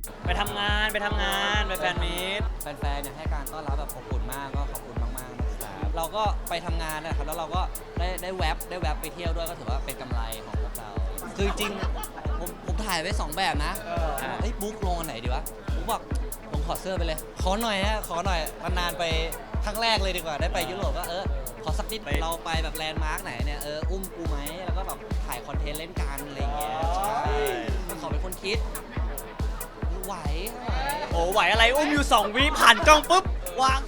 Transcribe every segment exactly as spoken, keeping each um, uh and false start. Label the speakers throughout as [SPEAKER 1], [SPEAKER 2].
[SPEAKER 1] ไปทำงานไปทำงานไปแฟนมีต
[SPEAKER 2] แฟนๆเนี่ยให้การต้อนรับแบบอบอุ่นมากก็ขอบคุณมากๆนะครับเราก็ไปทำงานนะครับแล้วเราก็ได้ได้แวบได้แวบไปเที่ยวด้วยก็ถือว่าเป็นกำไรของพวกเราคือจริงผมผมถ่ายไว้สองแบบนะเฮ้ยบุ๊กลงอันไหนดีวะบุ๊กบอกลงถอดเสื้อไปเลยขอหน่อยฮะขอหน่อยนานๆไปครั้งแรกเลยดีกว่าได้ไปยุโรปก็เออขอสักนิดเราไปแบบแลนด์มาร์กไหนเนี่ยเอออุ้มกูไหมแล้วก็แบบถ่ายคอนเทนต์เล่นกันอะไรอย่างเงี้ยใช่ก็ขอเป็นคนคิดไหวไหว
[SPEAKER 1] โอ้ไหวอะไรอุ้มอยู่สองวิผ่านกล้องปุ๊บวาง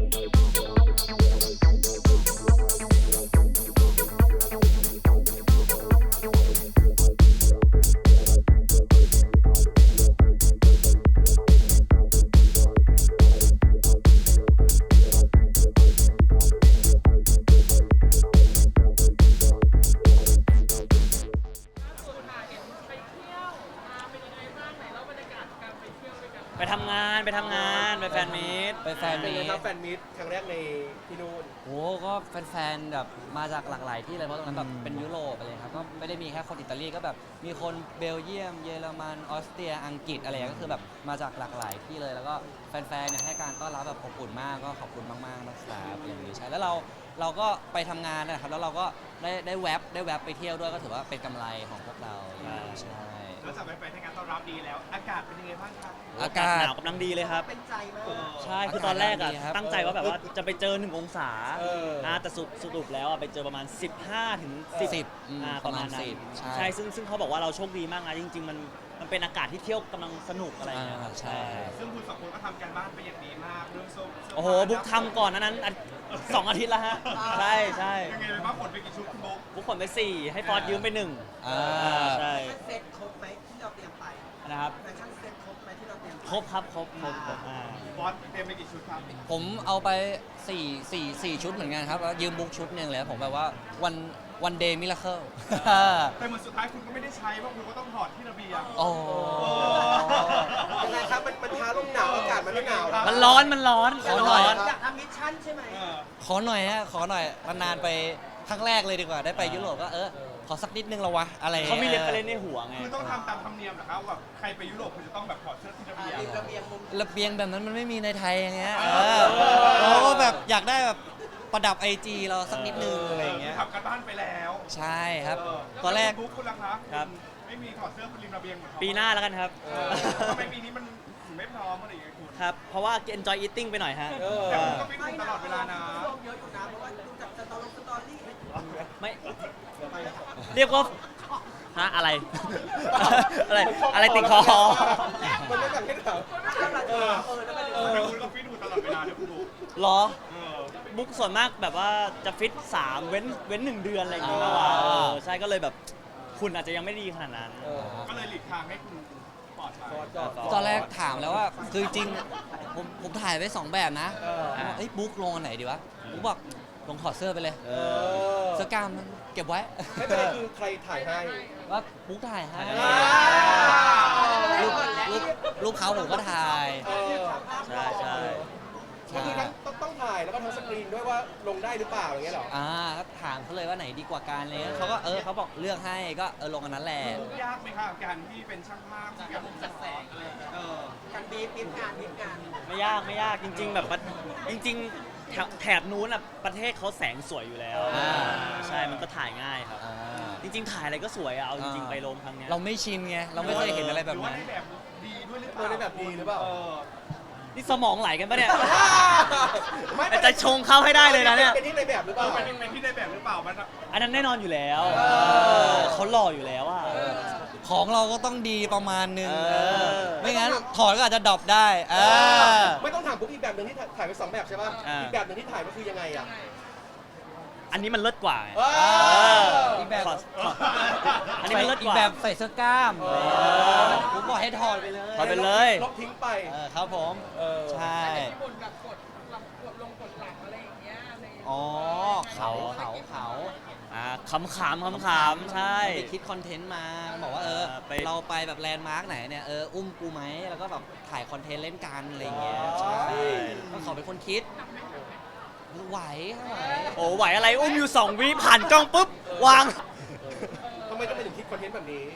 [SPEAKER 1] ไปทำงานไปทำงานไปแฟนมีต
[SPEAKER 2] ไปแฟน
[SPEAKER 3] เป็น
[SPEAKER 2] มี
[SPEAKER 3] ไง
[SPEAKER 2] ต
[SPEAKER 3] ครับแฟนมิตครั้งแรกในที่นู่น
[SPEAKER 2] โอ้ก็แฟนๆแบบมาจากหลากหลายที่เลยเพราะตรงนั้นแบบเป็นยุโรปอะไรครับก็ไม่ได้มีแค่คนอิตาลีก็แบบมีคนเบลเยียมเยอรมันออสเตรียอังกฤษอะไรก็คือแบบมาจากหลากหลายที่เลยแล้วก็แฟนๆเนี่ยให้การต้อนรับแบบอบอุ่นมากก็ขอบคุณมากๆนะครับอย่างนี้ใช่แล้วเราเราก็ไปทำงานนะครับแล้วเราก็ได้ได้แวบได้แวบไปเที่ยวด้วยก็ถือว่าเป็นกำไรของพวกเราใช่
[SPEAKER 4] นอกจากไปให้การต้อนรับดีแล้ว อากาศเป็นยังไงบ้างครับ
[SPEAKER 2] อากาศ
[SPEAKER 1] หนาวกำลังดีเลยครับ
[SPEAKER 3] เป็นใจมาก
[SPEAKER 1] ใช่คือตอนแรกอะ
[SPEAKER 2] อากาศดีครับ
[SPEAKER 1] ตั้งใจว่าแบบว่าจะไปเจอหนึ่งองศา
[SPEAKER 3] เออ
[SPEAKER 1] นะแต่สรุปสรุปแล้วอะไปเจอประมาณสิบห้าถึงสิบ
[SPEAKER 2] สิบอืม
[SPEAKER 1] อ่าประมาณ
[SPEAKER 2] ประมาณ
[SPEAKER 1] นั้น
[SPEAKER 2] สิบใช่
[SPEAKER 1] ใช่ซึ่งซึ่งเขาบอกว่าเราโชคดีมากนะจริง ๆ มันมันเป็นอากาศที่เที่ยวกำลังสนุกอะไรอย่างเงี้ยครับ
[SPEAKER 2] อ่าใช่
[SPEAKER 4] ซึ่งคุณสองคนก็ทำการบ้านไปอย่างดีมาก เรื่องโซ่เสื้
[SPEAKER 1] โอ้โหบุ๊กทำก่อนนั้นนั้นอันสองอาทิตย์แล้วฮะใช่ใช่
[SPEAKER 4] ยังไงไปบ้างขนไปกี่ชุดคุณบุ๊ก
[SPEAKER 1] บุ๊กขนไปสี่ให้ฟอสยืมไปหนึ่ง
[SPEAKER 2] อ่า
[SPEAKER 1] ใช่
[SPEAKER 3] เซตครบไหมที่เราเตรียมไป
[SPEAKER 1] นะครับ
[SPEAKER 3] แฟชั่นเซตครบไหมที่เราเตรียมไป
[SPEAKER 1] ครบครับครบครบครบอ่า
[SPEAKER 4] บอสเตรียมไปกี่ชุดครับ
[SPEAKER 2] ผมเอาไปสี่ สี่ สี่ชุดเหมือนกันครับแล้วยืมบุ๊กชุดหนึ่งเลยผมแบบว่าวันวันเดย์มิราเคิล
[SPEAKER 4] แต่เหมือนสุดท้ายคุณก็ไม่ได้ใช้เพราะคุณก็ต้องถอดที่ระเบียง
[SPEAKER 2] โอ้
[SPEAKER 3] ยังไงครับมันมันท้าลมหนาวอากาศมันไม่หนาว
[SPEAKER 1] มันร้อนมันร้อน
[SPEAKER 2] ขอ
[SPEAKER 1] มัน
[SPEAKER 2] หน่
[SPEAKER 1] ร้
[SPEAKER 2] อย
[SPEAKER 1] อน
[SPEAKER 3] อยากทำมิชชั่นใช่ไหม
[SPEAKER 4] เออ
[SPEAKER 2] ขอหน่อยฮะขอหน่อยนานๆไปครั้งแรกเลยดีกว่าได้ไปยุโรปก็เออขอสักนิดนึงละวะอะไร
[SPEAKER 1] เขามีเรฟเฟรนซ์ในหัวไง
[SPEAKER 4] คือต้องทำตามธรรมเนียมเหรอครับแบบใครไปยุโรปคุณจะต้องแบบถอดเสื้อที่ระเบียง
[SPEAKER 3] ริมระเบียงมุม
[SPEAKER 2] ระเบียงแบบนั้นมันไม่มีในไทยอย่างเงี้ย
[SPEAKER 4] เอ
[SPEAKER 2] เอ
[SPEAKER 4] อ
[SPEAKER 2] อเราก็แบบอยากได้แบบประดับไอจีเราสักนิดนึงอะไรอย่างเงี้ย
[SPEAKER 4] ทำกันบ้านไปแล้ว
[SPEAKER 2] ใช่ครับ
[SPEAKER 4] เ
[SPEAKER 2] ตอนแรก
[SPEAKER 4] ล้วคุณบุ๊กคุณล่ะครับ
[SPEAKER 1] ครับ
[SPEAKER 4] ไม่มีถอดเสื้อคุณริมระเบียงเหมือนเขา
[SPEAKER 1] ปีหน้าแล้วกันครับ
[SPEAKER 4] เออทำไมปีนี้มันถึงไม่พร้อมอะไรอย่างเงี้ยคุณ
[SPEAKER 1] ครับ เพราะว่า enjoy eating ไปหน่อยฮะ
[SPEAKER 4] แต่คุณก็ฟิตหุ่นตลอดเวลานะ
[SPEAKER 3] ช่วงเยอะอยู่นะเพราะว่าดูจากสตอรี่สตอรี่
[SPEAKER 1] ไม่เรียกว่าฮะอะไร อะไรอะไรติดคอ
[SPEAKER 3] มันไม่แบบให้ถามเออเออแล้วมัน
[SPEAKER 4] เออแต่คุณก็ฟิตหุ่นตลอดเวลาเนี่ยคุณบุ๊ก
[SPEAKER 1] หรอ
[SPEAKER 4] เออ
[SPEAKER 1] บุ๊กส่วนมากแบบว่าจะฟิตสามเว้นเว้นหนึ่งเดือนอะไรอย่างเงี้ยมากกว่าเออใช่ก็เลยแบบคุณอาจจะยังไม่ดีขนาดนั้น
[SPEAKER 4] ก็เลยหลีกทางให้คุณปลอดภัย
[SPEAKER 3] ฟอสก่อน
[SPEAKER 2] ตอนแรกถามแล้วว่าคือจริงผมผมถ่ายไว้สองแบบนะ
[SPEAKER 3] เออ
[SPEAKER 2] ผมบอกเอ้ยบุ๊กลงอันไหนดีวะบุ๊กบอกลงถอดเสื้อไปเลย
[SPEAKER 3] เออ
[SPEAKER 2] เสื้อกล้ามมันเก็บไว้
[SPEAKER 3] ไม่เป็นไรคือใครถ่ายให้
[SPEAKER 2] ว่าบุ๊กถ่ายให้
[SPEAKER 3] อ่า
[SPEAKER 2] รูปรูปรูปเขาผมก็ถ่าย
[SPEAKER 3] เออ
[SPEAKER 1] ใช่ใช่
[SPEAKER 3] ก็คือทั้งต้องต้องถ่ายแล้วก็ทั้งสกรีนด้วยว่าลงได้หรือเปล่าอย่างเงี้ยเหรอ
[SPEAKER 2] อ่าก็ถามเขาเลยว่าไหนดีกว่ากันเลยเขาก็เออเขาบอกเลือกให้ก็เออลงอันนั้นแหละ
[SPEAKER 4] ยากไหมครับการที่เป็นช่างภาพที่แบบจัดแสงอะไรเออ
[SPEAKER 3] การบีบบีบงานบีบงาน
[SPEAKER 1] ไม่ยากไม่ยากจริง ๆ แบบว่าจริง ๆ แถบแถบนู้นอ่ะประเทศเขาแสงสวยอยู่แล้ว
[SPEAKER 2] อ่า
[SPEAKER 1] ใช่มันก็ถ่ายง่ายครับ
[SPEAKER 2] อ่า
[SPEAKER 1] จริง ๆ ถ่ายอะไรก็สวยอะเอาจริง ๆ ไปโรงครั้งเนี้ย
[SPEAKER 2] เราไม่ชินไงเราไม่เคยเห็นอะไรแบบ
[SPEAKER 4] หรือว่า
[SPEAKER 2] นั้น
[SPEAKER 4] ในแบบดีด้วยหรือเป
[SPEAKER 3] เอ
[SPEAKER 4] ล่า
[SPEAKER 3] อในแบบดีหรือเปล่า
[SPEAKER 4] เออ
[SPEAKER 1] นี่สมองไหลกันปะเนี่ย
[SPEAKER 3] ไม่
[SPEAKER 1] แต่จะชงเข้าให้ได้เลยนะเนี่ย
[SPEAKER 3] เป็นที่ในแบบหรือเป
[SPEAKER 4] เอ
[SPEAKER 3] ล่า
[SPEAKER 4] อเป็นเป็นที่ในแบบหรือเปล่ามันอะ
[SPEAKER 1] อันนั้นแน่นอนอยู่แล้ว
[SPEAKER 3] เออ
[SPEAKER 1] เขาหล่ออยู่แล้วอ่ะ
[SPEAKER 2] ของเราก็ต้องดีประมาณนึง
[SPEAKER 1] เออ
[SPEAKER 2] ไม่งั้นถอดก็อาจจะดรอปได้เออ
[SPEAKER 3] ไม่ต้องถามปุ๊บอีกแบบหนึ่งที่ถ่ายไปสองแบบใช่ป่ะ
[SPEAKER 1] อ่า
[SPEAKER 3] อีกแบบหนึ่งที่ถ่ายก็คือยังไงอ่ะ
[SPEAKER 1] อันนี้มันเลิศกว่าไง
[SPEAKER 3] เออ
[SPEAKER 2] อีกแบบ
[SPEAKER 1] ขอขออันนี้มันเลิศกว่า
[SPEAKER 2] อีแบบใส่เสื้อกล้าม
[SPEAKER 1] อ
[SPEAKER 2] ผมบอกให้ถอดไปเลย
[SPEAKER 1] ถอดไปเลย
[SPEAKER 3] ลบทิ้งไป
[SPEAKER 2] เออครับผม
[SPEAKER 3] เออ
[SPEAKER 2] ใช่
[SPEAKER 5] บนแบบกดหลังกดลงกดหลังอะไรอย่างเงี้ยใน
[SPEAKER 2] อ๋อเขาเขาเขา
[SPEAKER 1] อ่าขำขำขำขำใช่
[SPEAKER 2] ไปคิดคอนเทนต์มาบอกว่าเออ
[SPEAKER 1] เออไป
[SPEAKER 2] เราไปแบบแลนด์มาร์กไหนเนี่ยเอออุ้มกูไหมแล้วก็แบบถ่ายคอนเทนต์เล่นกันอะไรอย่างเงี้ยใช่ก็ขอเป็นคนคิดไหวไหว
[SPEAKER 1] โอ้ไหวอะไรอุ้มอยู่สองวิผ่านกล้องปุ๊บวาง
[SPEAKER 3] ทำไมต้องไปถึงคิดคอนเทนต์แบบนี้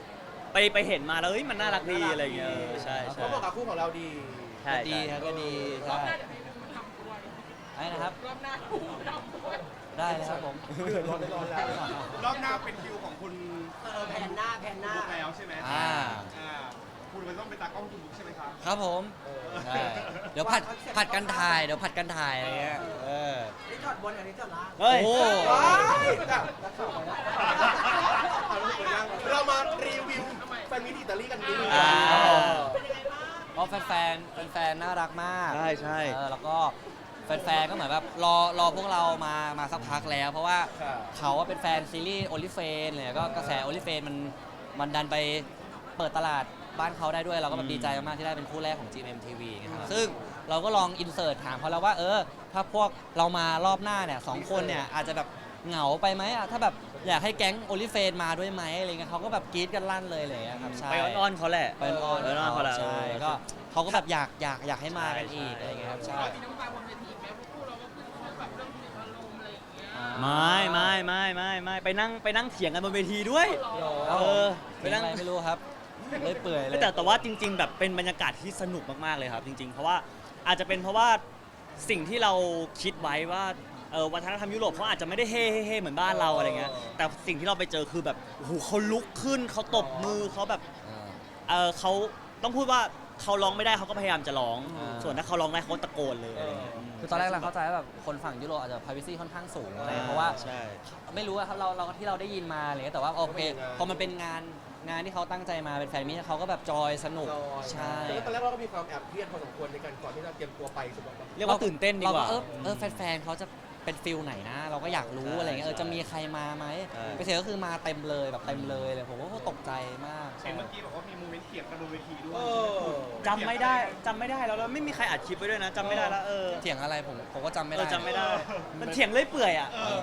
[SPEAKER 1] ไปไปเห็นมาแล้วเฮ้ยมันน่ารักดีอะไรอย่างเงี้ยเออใช่ใช่
[SPEAKER 3] เขาบอกกับคู่ของเราดี
[SPEAKER 1] ใช่
[SPEAKER 2] ก็ดี
[SPEAKER 1] ใช่
[SPEAKER 2] ครับก็ดี
[SPEAKER 5] รอ
[SPEAKER 2] ใช่
[SPEAKER 5] บหน้าจะให้ดูทำด้วย
[SPEAKER 2] ไอ้นะครับ
[SPEAKER 5] รอบหน้าดูทำด้วย
[SPEAKER 2] ได้เลยครับผม
[SPEAKER 3] เดือดร้อนได้ร้อนแล้ว
[SPEAKER 4] รอบหน้าเป็นคิวของคุณ
[SPEAKER 3] เออแผ่นหน้าแผ่นหน้า
[SPEAKER 4] บุ๊กแล้วใช่ไหม
[SPEAKER 2] อ่า
[SPEAKER 4] อ่าคุณมันต้องเป็นตากล้องคุณบุ๊กใช่ไหมครับ
[SPEAKER 2] ครับผมใช่เดี๋ยวผัดผัดกันถ่ายเดี๋ยวผัดกันถ่ายอะไรเงี้ยเออ
[SPEAKER 3] นี่จอดบนอันนี้จอดล่าง
[SPEAKER 1] เฮ้ย
[SPEAKER 2] โอ้
[SPEAKER 3] ว้ายแบบนักข่าวไปแล้วเอาลูกไปย่างเรามารีวิวแฟนมิตรอิตาลีกันดีกว่า
[SPEAKER 1] อ่า
[SPEAKER 2] ก็แฟนแฟนๆแฟนๆน่ารักมาก
[SPEAKER 1] ใช่ใช่
[SPEAKER 2] เออแล้วก็แฟนๆก็เหมือนแบบรอรอพวกเรามามาสักพักแล้ว เพราะว่า
[SPEAKER 3] ครับ
[SPEAKER 2] เขาว่าเป็นแฟนซีรีส์โอลิเฟนเลยก็กระแสโอลิเฟนมันมันดันไปเปิดตลาดบ้านเขาได้ด้วยเราก็แบบดีใจมากๆที่ได้เป็นคู่แรกของ จี เอ็ม ที วี นะครับซึ่งเราก็ลองอินเสิร์ตถามเขาแล้วว่าเออถ้าพวกเรามารอบหน้าเนี่ยสองคนเนี่ยอาจจะแบบเหงาไปไหมอะถ้าแบบอยากให้แก๊งโอลิเฟนมาด้วยไหมอะไรเงี้ยเขาก็แบบกรี๊ดกันลั่นเลยอะไรเลยครับใช่
[SPEAKER 1] ไปอ้อนๆเขาแหละ
[SPEAKER 2] ไปอ้อน
[SPEAKER 1] ไปอ้อนๆเขาแหละ
[SPEAKER 2] ใช่
[SPEAKER 1] เออ
[SPEAKER 2] ก็เขาก็แบบอยากอยากอยากให้มากันอีก
[SPEAKER 1] ใช่
[SPEAKER 2] อะไรเงี้ยครับใช่
[SPEAKER 5] มีน้ำตาบนเวทีไหมพวกคู่เราก็คือเขาแบบเรื่องถึงอารมณ์อะไรอย่างเงี้ย
[SPEAKER 1] ไม่ไม่ไม่ไม่ไม่ไปนั่งไปนั่งเถียงกันบนเวทีด้วย เออไป
[SPEAKER 2] เป็น
[SPEAKER 1] นั่ง
[SPEAKER 2] อะไรไม่รู้ครับเลยเปื่อยเลย
[SPEAKER 1] แต่แต่ว่าจริง ๆ แบบเป็นบรรยากาศที่สนุกมากๆเลยครับ จริง ๆ เพราะว่าอาจจะเป็นเพราะว่าสิ่งที่เราคิดไว้ว่าเออวัฒนธรรมยุโรปเขาอาจจะไม่ได้เฮ่เฮ่เฮ่เหมือนบ้านเราอะไรเงี้ยแต่สิ่งที่เราไปเจอคือแบบโอ้โหเขาลุกขึ้นเขาตบมือเขาแบบ
[SPEAKER 2] อ่า
[SPEAKER 1] เออเขาต้องพูดว่าเขาร้องไม่ได้เขาก็พยายามจะร้อง
[SPEAKER 2] อ่า
[SPEAKER 1] ส่วนถ้าเขาร้องได้เขาตะโกนเลยอะไรเงี้ย
[SPEAKER 2] คือตอนแรกเราเข้าใจว่าแบบคนฝั่งยุโรปอาจจะ privacy ค่อนข้างสูงอะไร
[SPEAKER 1] อ่า
[SPEAKER 2] เพราะว่า
[SPEAKER 1] ใช่
[SPEAKER 2] ไม่รู้อะครับเราเราที่เราได้ยินมาอะไรเงี้ยแต่ว่าโอเคพอมันเป็นงานงานที่เขาตั้งใจมาเป็นแฟนมิตรเขาก็แบบจอยสนุกใช่
[SPEAKER 3] แล้วตอนแรกเราก็มีความแอบเครียดพอสมควรในการก่อนที่จะเตรียมตัวไปสุดแบบ
[SPEAKER 1] เรียกว่าตื่นเต้นดีกว่า
[SPEAKER 2] เรเออเออแฟนๆเขาจะเป็นฟิลไหนนะ เราก็อยากรู้
[SPEAKER 1] ใช่
[SPEAKER 2] อะไรเงี้ยเออ
[SPEAKER 1] ใช่
[SPEAKER 2] จะมีใครมาไหม
[SPEAKER 1] ใช่
[SPEAKER 2] ไปเสร็จก็คือมาเต็มเลยแบบเต็มเลยเลยผมก็ตกใจมาก
[SPEAKER 4] เห็นเมื่อกี้บอกว่ามีโมเมนต์เถียงกันบนเวทีด้วย
[SPEAKER 3] เออ
[SPEAKER 1] จำไม่ได้จำไม่ได้แล้วแล้วไม่มีใครอัดคลิปไว้ด้วยนะจำไม่ได้แล้วเออ
[SPEAKER 2] เถียงอะไรผมผมก็จำไม่
[SPEAKER 1] เอ
[SPEAKER 2] ได้
[SPEAKER 1] อจำไม่ได้ มันเถียงเลื่อยเปื่อยอ่ะ
[SPEAKER 4] เออ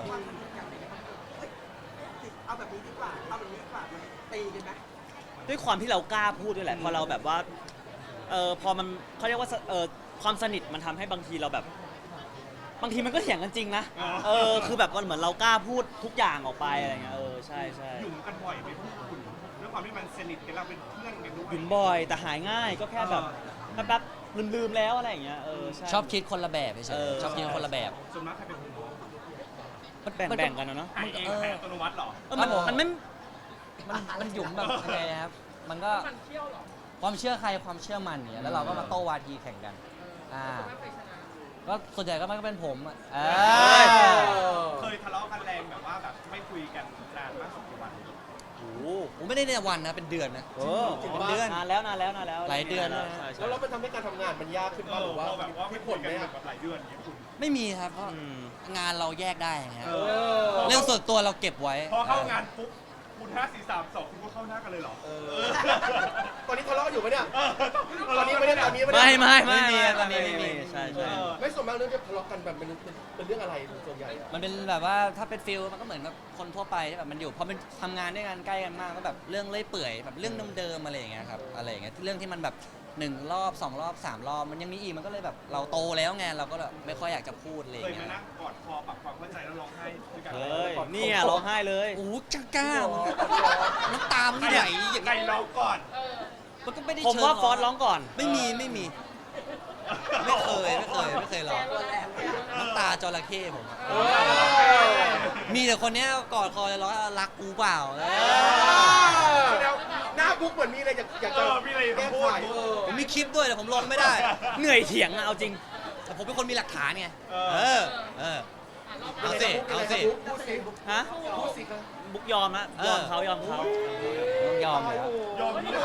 [SPEAKER 3] เอาแบบนี้ดีกว่า เอาแบบนี้ดีกว่ามันตีกันไหม
[SPEAKER 1] ด้วยความที่เรากล้าพูดด้วยแหละพอเราแบบว่าเออพอมันเขาเรียกว่าเออความสนิทมันทำให้บางทีเราแบบ บางทีมันก็เถียงกันจริงนะ
[SPEAKER 4] อ๋อ
[SPEAKER 1] เออคือแบบมันเหมือนเรากล้าพูดทุกอย่างออกไปอะไรเงี้ยเออใช่ใช่
[SPEAKER 4] หยุ่มกันบ่อยไหมพวกคุณด้วยความที่มันสนิทกันเราเป็นเพื่อนกันด้วย
[SPEAKER 1] หยุ่มบ่อยแต่หายง่ายก็แค่แบบแป๊บๆลืมๆแล้วอะไรอย่างเงี้ยเออใช่
[SPEAKER 2] ชอบคิดคนละแบบเฉ
[SPEAKER 1] เอย อ
[SPEAKER 2] ๆชอบคิดคนละแบบ
[SPEAKER 4] ส่วนมากใครเป็นคนบอก
[SPEAKER 1] มันแบ่งๆกันนะเนาะ
[SPEAKER 4] หายเองแพ้อัตโนมัติเหรอ
[SPEAKER 1] เออมันมันไม่
[SPEAKER 2] มันมันหยุ่มแบบยังไงนะครับ มันก็
[SPEAKER 5] มันเที่ยวเหรอ
[SPEAKER 2] ความเชื่อใครความเชื่อมันเนี่ยแล้วเราก็มาโต้วาทีแข่งกันอ่า
[SPEAKER 5] ไม่เคยชนะ
[SPEAKER 2] ก็ส่วนใหญ่ก็มันก็เป็นผมอะเอ
[SPEAKER 1] อ
[SPEAKER 4] เคยทะเลาะกันแรงแบบว่าแบบไม่คุยกันนานมากสุดกี่วัน
[SPEAKER 1] โอ้โห
[SPEAKER 2] ผมไม่ได้ในวันนะเป็นเดือนนะ
[SPEAKER 1] เออ
[SPEAKER 2] เป็นเดือน
[SPEAKER 1] นานแล้วนานแล้วนานแล้ว
[SPEAKER 2] หลายเดือน
[SPEAKER 1] แล้
[SPEAKER 2] แล้ว ว
[SPEAKER 1] ใช่ใช่
[SPEAKER 3] แล้วเรามันทำให้การทำงานมันยากขึ้น
[SPEAKER 4] เอ
[SPEAKER 3] ป่ะห
[SPEAKER 4] อ
[SPEAKER 3] รือว่า
[SPEAKER 4] พอแบบว่าไม่
[SPEAKER 3] มีผ
[SPEAKER 4] คุย
[SPEAKER 3] ล
[SPEAKER 4] กั
[SPEAKER 3] ไห
[SPEAKER 4] น
[SPEAKER 3] ม
[SPEAKER 4] แบบหลายเดือนอย่างเงี้ยคุณ
[SPEAKER 2] ไม่มีครับเพราะ
[SPEAKER 1] อืม
[SPEAKER 2] งานเราแยกได้ไง
[SPEAKER 4] เอ
[SPEAKER 3] เออ
[SPEAKER 2] เรื่องส่วนตัวเราเก็บไว้
[SPEAKER 4] พอเข้างานปุ๊บคุณห้าสี่สามสองคุณก็เข้าหน้ากันเลยเหรอ
[SPEAKER 3] เออ ตอนนี้ทะเลาะอยู่ปะเนี่ย
[SPEAKER 4] เออ
[SPEAKER 3] ตอนนี้ไม่ได้ตอนนี้ไม่ได้
[SPEAKER 1] ไม่ไม่ไม่
[SPEAKER 2] ไม่มี
[SPEAKER 1] ไม่
[SPEAKER 2] ตอนนี้
[SPEAKER 1] ไม่
[SPEAKER 2] ไม่มี
[SPEAKER 1] มีใช่
[SPEAKER 4] เอ
[SPEAKER 1] ใช่
[SPEAKER 4] อ
[SPEAKER 3] ไม่ส่วนมากเรื่องที่ทะเลาะกันแบบเป็นเป็นเป็นเรื่องอะไรส่วนใหญ่อะ
[SPEAKER 2] มันเป็นแบบว่าถ้าเป็นฟิลมันก็เหมือนกับคนทั่วไปที่แบบมันอยู่พอมันทำงานด้วยกันใกล้กันมากก็แบบเรื่องเล่อยเปื่อยแบบเรื่องเดิมๆอะไรอย่างเงี้ยครับอะไรอย่างเงี้ยเรื่องที่มันแบบหนึ่งรอบสองรอบสามรอบมันยังมีอีกมันก็เลยแบบเราโตแล้วไงเราก็แบบไม่ค่อยอยากจะพูดอะไรอ
[SPEAKER 4] เคย
[SPEAKER 2] ย่าง
[SPEAKER 4] มา
[SPEAKER 2] เงี้ย
[SPEAKER 4] นั่งกอดคอปรับความเข้าใจแล้วร้องไห้ด้วยกัน
[SPEAKER 1] เฮ้ยเนี่ยร้องไห้เลย
[SPEAKER 2] โอ้โหจ้ากล้าน้ำตามันไหลอย่าง
[SPEAKER 4] ใคร
[SPEAKER 2] เงี้ย
[SPEAKER 4] ร้องก่อน
[SPEAKER 5] เออ
[SPEAKER 2] มันก็ไม่ได้
[SPEAKER 1] ผม
[SPEAKER 2] เชิง
[SPEAKER 1] ว่าฟอสร้องก่อน
[SPEAKER 2] ไม่มีไม่มี ไม่เคยไม่เคยไม่เคยร้องน้ำตาจระเข้ผมอะ
[SPEAKER 3] เออ
[SPEAKER 2] มีแต่คนเนี้ยกอดคอเลยร้องรักกูเปล่าเออ
[SPEAKER 3] แล้วหน้าบุ๊กเหมือนมีอะไรอยากอยาก
[SPEAKER 4] เอ
[SPEAKER 3] จะ
[SPEAKER 4] อมีอะไร
[SPEAKER 3] แก้
[SPEAKER 4] จะพู
[SPEAKER 3] ไข
[SPEAKER 4] ด
[SPEAKER 3] เออ
[SPEAKER 2] ผมมีคลิปด้วยแต่ผมลงไม่ได้
[SPEAKER 1] เหนื่อยเถียงอะเอาจริง
[SPEAKER 2] แต่ผมเป็นคนมีหลักฐานไง
[SPEAKER 4] เอ
[SPEAKER 2] เอ
[SPEAKER 4] อ
[SPEAKER 2] อ เออ
[SPEAKER 5] อ่ะรอบ
[SPEAKER 2] เอาสิเอาสิ
[SPEAKER 3] พูดสิ
[SPEAKER 1] ฮะ
[SPEAKER 3] พูดสิครับ
[SPEAKER 1] บุ๊กยอมนะยอมเขายอมเขา
[SPEAKER 2] ต้องยอมเลยครับ
[SPEAKER 4] ยอมนี่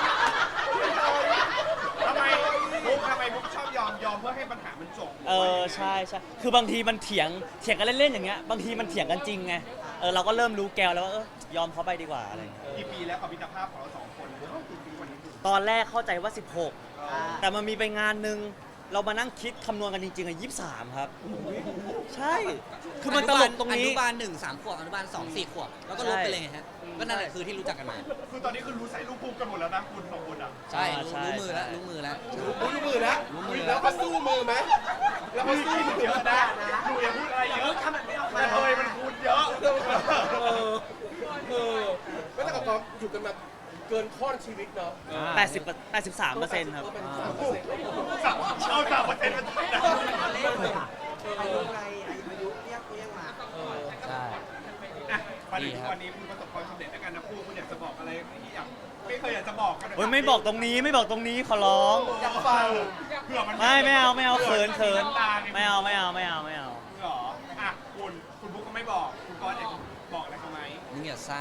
[SPEAKER 4] ทำไมบุ๊กทำไมบุ๊กชอบยอมยอมเพื่อให้ปัญหามันจบ
[SPEAKER 1] เออใช่ใช่คือบางทีมันเถียงเถียงกันเล่นๆอย่างเงี้ยบางทีมันเถียงกันจริงไงเออเราก็เริ่มรู้แกวแล้วว่าเออยอมเขาไปดีกว่าอะไรอย่างเงี้ย
[SPEAKER 4] กี่ปีแล้วกับมิตรภาพของเราสองคนกี่ปีวันนี้คุณ
[SPEAKER 1] ตอนแรกเข้าใจว่าสิบหกแต่มันมีไปงานหนึ่งเรามานั่งคิดคำนวณกันจริงๆอ่ะยี่สิบสามครับ ใช่ คือมันตลกตรง
[SPEAKER 2] อ
[SPEAKER 1] นี้
[SPEAKER 2] นุบาลหนึ่งสามขวบอนุบาลสองสี่ขวบแล้วก็ลบไปเลยไงฮะก็นั่นแหละคือที่รู้จักกันมา
[SPEAKER 4] คือตอนนี้คือรู้ใส่ลูกภูมิกันหมดแล้วนะคุณสองคนอ่ะ
[SPEAKER 2] ใช่
[SPEAKER 1] อ่า
[SPEAKER 2] รู้
[SPEAKER 1] ใช่
[SPEAKER 2] รู้มือแล้ว
[SPEAKER 1] ใช่
[SPEAKER 2] รู้มือแล้ว
[SPEAKER 3] รู้มือแล้ว
[SPEAKER 2] รู้มือ
[SPEAKER 3] แล้วก็สู้มือไหมแล้วก็สู้มือ
[SPEAKER 4] เยอะนะดูอย่าพูดอะไรเยอะทำแบบนี้ออกมาเลยมันคูณเยอะ
[SPEAKER 3] เออเออไม่แต่กับความอยู่กันมาเกินข้อนชีวิตเนาะ
[SPEAKER 2] อ่า
[SPEAKER 1] แปดสิบแปดสิบสามเปอร์เซ็นต์ครับ
[SPEAKER 3] ก็เป็นสามเปอร์เซ็นต์
[SPEAKER 4] เอาสามเปอร์เซ็นต์มา
[SPEAKER 6] เล่นเลยอ่ะอายุไงอายุเรียกเรียกมา
[SPEAKER 2] ใช่
[SPEAKER 4] อ่ะวันนี้วันนี้คุณประสบความสำเร็จในการนะคู่คุณอยากจะบอกอะไรที่อยากไม่เคยอยากจะบอกกัน
[SPEAKER 1] โอ้ยไม่บอกตรงนี้ไม่บอกตรงนี้ขอร้อง
[SPEAKER 3] อยากฟัง
[SPEAKER 4] เผื่อมัน
[SPEAKER 1] ไม่ไม่เอาไม่เอาเขินเขินไม่เอาไม่เอาไม่เอาไม่เอา
[SPEAKER 4] เหรออ่ะคุณคุณบุ๊กก็ไม่บอกคุณกรณ์อยากบอกอะไรเขาไหม
[SPEAKER 2] มึงอย่าซ่า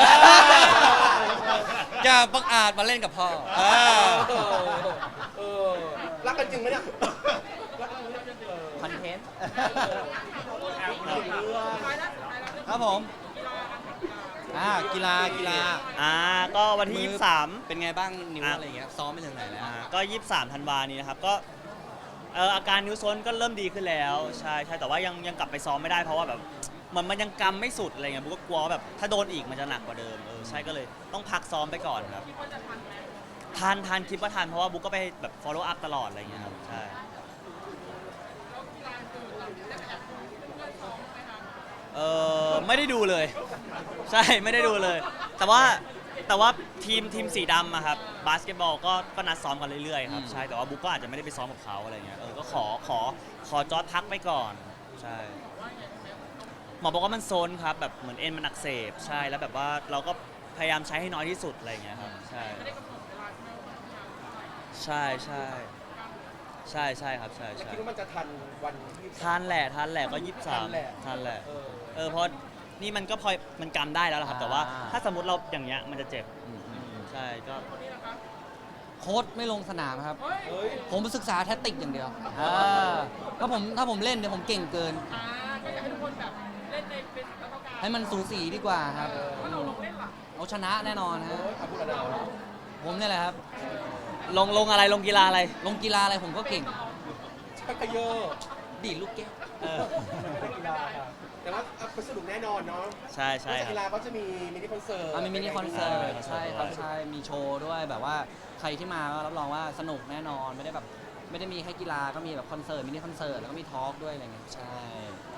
[SPEAKER 2] อย่าบังอาจมาเล่นกับพ่อ
[SPEAKER 3] เออเออรักกันจริงไหมเนี่ยรักกันจริงไหมเออ
[SPEAKER 2] คอนเทนต์
[SPEAKER 4] อ่ะคุณบุ๊ก
[SPEAKER 5] ท้ายแล้วสุดท้ายแล้วเรื่อง
[SPEAKER 2] ครับผม อ่ากีฬากีฬา
[SPEAKER 1] อ่าก็วันที่ยี่สิบสาม
[SPEAKER 2] เป็นไงบ้างนิ้ว
[SPEAKER 1] อ่ะ
[SPEAKER 2] อะไรเงี้ยซ้อมไปถึงไหนแล้ว
[SPEAKER 1] อ่าก็ยี่สิบสามธันวานี้นะครับก็เอออาการนิ้วโซนก็เริ่มดีขึ้นแล้วใช่ใช่แต่ว่ายังยังกลับไปซ้อมไม่ได้เพราะว่าแบบเหมันมันยังกำไม่สุดอะไรเงี้ยบุ๊กก็กลัวว่าแบบถ้าโดนอีกมันจะหนักกว่าเดิมเออใช่ก็เลยต้องพักซ้อมไปก่อนครับ
[SPEAKER 5] คิดว่าจะทันไหม
[SPEAKER 1] ทันทันคิดว่าทันเพราะว่าบุ๊กก็ไปแบบ follow up ตลอดอะไรเงี้ยครับใช่
[SPEAKER 5] แล้วกีฬาอื่นเราได้ไปแอบดูเพื่อนซ้อมไหมคะ
[SPEAKER 1] เออไม่ได้ดูเลย ใช่ไม่ได้ดูเลย แต่ว่าแต่ว่าทีมทีมสีดำอะครับบาสเกตบอลก็ก็นัดซ้อมกันเรื่อยๆครับใช่แต่ว่าบุ๊กก็อาจจะไม่ได้ไปซ้อมกับเขาอะไรเงี้ยเออก็ขอขอขอจอร์ดพักไปก่อนใช่หมอบอกว่ามันโซนครับแบบเหมือนเอ็นมันอักเสบใช่แล้วแบบว่าเราก็พยายามใช้ให้น้อยที่สุดอะไรเงี้ยครับใช่
[SPEAKER 5] ไม่ได้กำหนดเวลาใช่ไหมว่าต้องทำ
[SPEAKER 1] ใช่ใช่ใช่ใช่ครับใช่
[SPEAKER 3] แล้ว
[SPEAKER 1] ใช่
[SPEAKER 3] คิดว่ามันจะทันวันที่
[SPEAKER 1] ทันแหละทันแหละก็ยี่สิบสาม
[SPEAKER 3] ทันแหละ
[SPEAKER 1] ทันแหละ
[SPEAKER 3] เออ
[SPEAKER 1] เออเพราะนี่มันก็พอมันกำได้แล้วล่ะครับแต่ว่า
[SPEAKER 2] อ่า
[SPEAKER 1] ถ้าสมมติเราอย่างเงี้ยมันจะเจ็บ
[SPEAKER 2] อืมอืมอืม
[SPEAKER 1] ใช่ก็
[SPEAKER 5] คนนี้นะคะ
[SPEAKER 2] โค้ชไม่ลงสนามครับ
[SPEAKER 5] เฮ้ย
[SPEAKER 3] เฮ้ย
[SPEAKER 2] ผมศึกษาแทคติกอย่างเดียวอ่าถ้าผมถ้าผมเล่นเดี๋ยวผมเก่งเกิน
[SPEAKER 5] อ่าก็อยากให้ทุกคนแบบเล่นในเป็นแล้วก็การ
[SPEAKER 2] ให้มันสูสีดีกว่าครับ
[SPEAKER 5] ถ้าเราลงเล่นล่ะ
[SPEAKER 2] เอาชนะแน่นอนฮะ
[SPEAKER 3] โอ้ยอาพูดอะไรนะ
[SPEAKER 2] ผมเนี่ยแหละครับ
[SPEAKER 1] ลงลงอะไรลงกีฬาอะไร
[SPEAKER 2] ลงกีฬาอะไรผมก็เก่ง
[SPEAKER 3] ชักกระเยอะ
[SPEAKER 2] ดีดลูกแก้ว
[SPEAKER 1] เออ
[SPEAKER 3] เป็นกีฬาค่ะแต่ว่าเอาไปสนุกแน่นอนเนาะ
[SPEAKER 1] ใช่ใช่
[SPEAKER 3] นอกจาก
[SPEAKER 1] ค
[SPEAKER 3] กี
[SPEAKER 1] รับ
[SPEAKER 3] ฬาก็จะมีมินิคอนเสิร์ต
[SPEAKER 2] อ่ะมีมินิคอนเสิร์ต
[SPEAKER 1] เออ
[SPEAKER 2] ใช่ครับใช่มีโชว์ด้วยแบบว่าใครที่มาก็รับรองว่าสนุกแน่นอนไม่ได้แบบไม่ได้มีแค่กีฬาก็มีแบบคอนเสิร์ตมินิคอนเสิร์ตแล้วก็มีทอล์กด้วยอะไรเงี้ยใช่